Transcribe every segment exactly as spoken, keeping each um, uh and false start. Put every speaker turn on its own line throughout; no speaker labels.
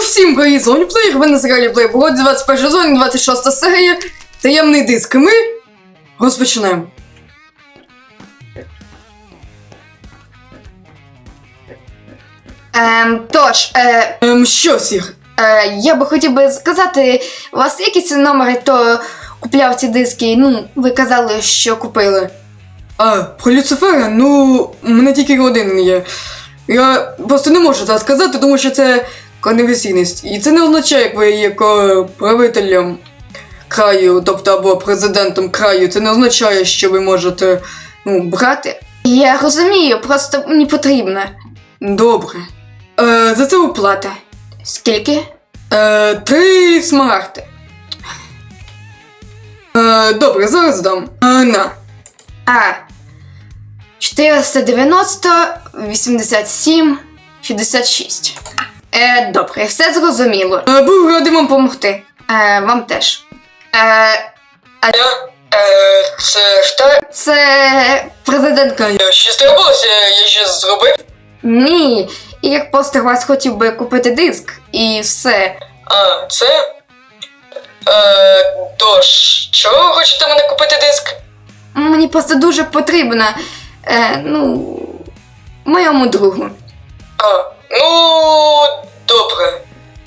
Усім привіт, з Лоніплеєр, ви на серіалі Playboy, двадцять перший сезон, двадцять шоста серія, таємний диск. І ми розпочинаємо.
Ем, тож, е,
Ем, що, Сір?
е, я би хотів би сказати, у вас є якісь номери, хто купляв ці диски? Ну, ви казали, що купили.
А, про Люцифера, ну, у мене тільки один є. Я просто не можу це сказати, тому що це конфіденційність. І це не означає, як ви є ко- правителем краю, тобто або президентом краю. Це не означає, що ви можете, ну, брати.
Я розумію, просто мені потрібно.
Добре. Е, за це оплата.
Скільки?
Е, три смарагди. Е, добре, зараз дам. Е, на.
А. чотириста дев'яносто, вісімдесят сім, шістдесят шість. Е, добре, все зрозуміло.
Е, був радий вам
Помогти. Е, вам теж. Е,
Е, це що?
це президент краю.
Щось трапилося, я щось зробив?
Ні, і як постер вас хотів би купити диск, і все.
А, це? Е, тож, чого ви хочете мене купити диск?
Мені просто дуже потрібно, е, ну, моєму другу.
А, ну, добре.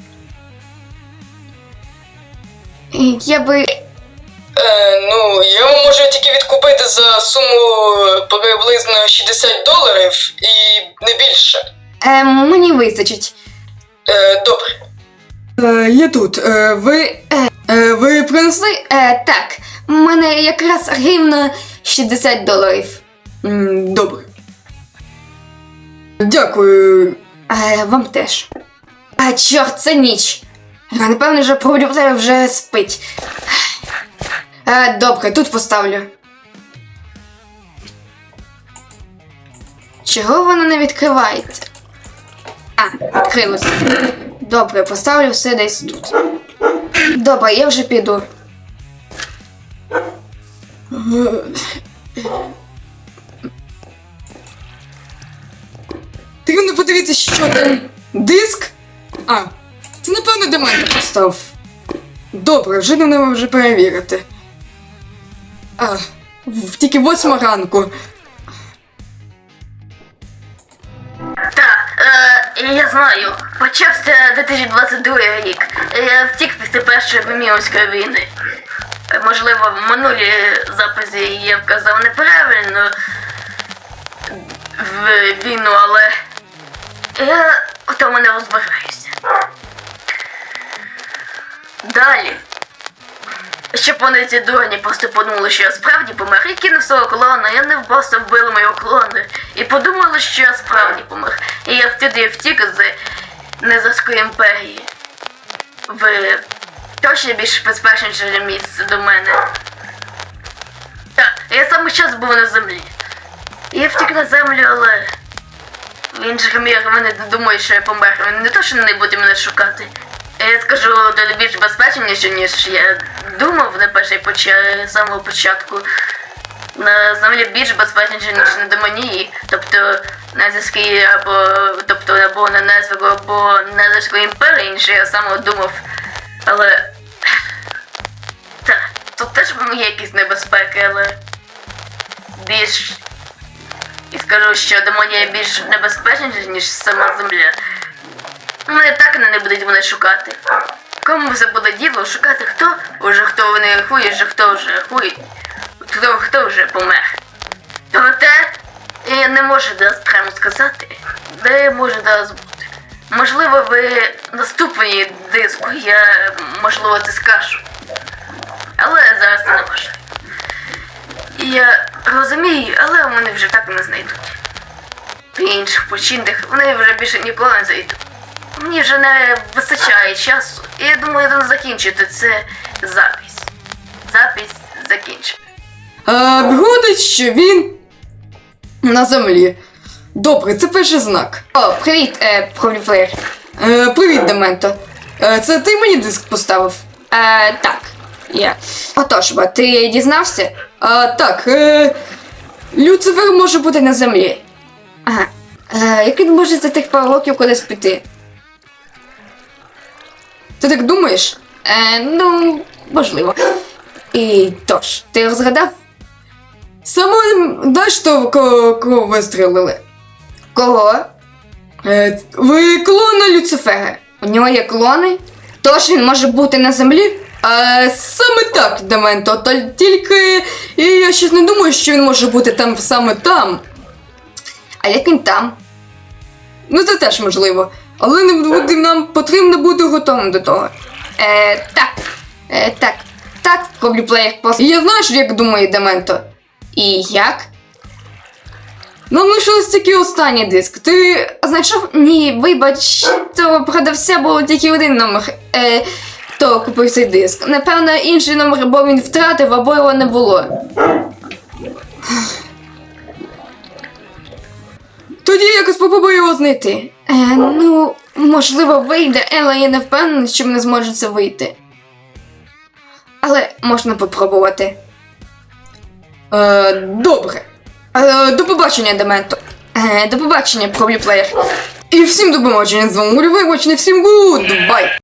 І Я би.
Е, ну, я вам можу тільки відкупити за суму приблизно шістдесят доларів і не більше.
Е, мені вистачить.
Е, добре. Е, я тут. Е, ви.
Е,
Е, ви принесли?
ви, е, так, в мене якраз рівно шістдесят доларів.
М, добре. Дякую.
Е, вам теж. А, чорт, це ніч. Е, Напевно, вже продюсер вже спить. Е, добре, тут поставлю. Чого воно не відкривається? А, відкрилося. Добре, поставлю все десь тут. Добре, я вже піду.
Ти не подивіться, що там. Диск? А, це напевно Дементор постав. Добре, вже не треба вже перевірити. А, в- тільки восьма ранку.
Так, е, я знаю. Почався дві тисячі двадцять другий рік. Я втік після першої Вимірської війни. Е, Можливо, в минулій записі я вказав неправильно в війну, але я в тому не розбираюся. Далі. Щоб вони ці дурні просто подумали, що я справді помер, і кинув свого клону, і вони просто вбили мого клону. І подумали, що я справді помер. І я втюди втік з Незарської імперії. В точно більш безпечніше місце до мене. Так, я саме час був на землі. Я втік на землю, але в інших мірах вони думають, що я помер. Вони не то, що не будуть мене шукати. Я скажу, то більш безпечніше, ніж я думав на перший поча... самого початку. На землі більш безпечніше, ніж на Демонії, тобто на Зірській або тобто або на Незвику, або на Зірської імперії, ніж я саме думав. Але так, тут теж є якісь небезпеки, але більш і скажу, що Демонія більш небезпечніша, ніж сама земля. Вони так не будуть мене шукати. Кому це буде діло шукати, хто уже хто вони рахують, вже хто вже рахує, хто, хто вже помер. Проте я не можу зараз прямо сказати, де може зараз бути. Можливо, ви наступній диску, я можливо це скажу. Але зараз це не можливо. Я розумію, але вони вже так не знайдуть. При інших починках вони вже більше ніколи не зайдуть. Мені вже не вистачає часу, і я думаю, я закінчити це запись. Запись закінчена.
А, виходить, що він на землі. Добре, це перший знак.
О, привіт, е, Проліфлеєр.
Е, привіт, Дементо. Е, це ти мені диск поставив?
Е, так, я. Отож, бо ти дізнався?
А, так, е, Люцифер може бути на землі.
Ага. Е, як він може за тих пару років кудись піти? Ти так думаєш? Е, ну, можливо. І тож, ти розгадав?
Саме знаєш, то кого, кого вистрілили?
Кого?
Е, ви клона Люцифера.
У нього є клони? Тож він може бути на землі?
А саме так, Дементо, та тільки і я щось не думаю, що він може бути там саме там.
А як він там?
Ну це теж можливо. Але не буде, нам потрібно бути готовим до того.
Е, так. Е, так. Так, проблюплеєр просто.
І я знаю, що як думає Дементо.
І як?
Нам лишилось тільки останній диск. Ти
Знайшов? Ні, вибач, то продавця було тільки один номер. Е, то купив цей диск. Напевно, інший номер або він втратив, або його не було.
тоді якось попробуй його знайти.
Е, ну, можливо, вийде, але я не впевнена, що мене зможе це вийти. Але можна попробувати.
Е, добре. Е, до побачення, Дементо.
Е, до побачення, проблюплеєр.
І всім до побачення з вами Гулівий, всім гуд, бай!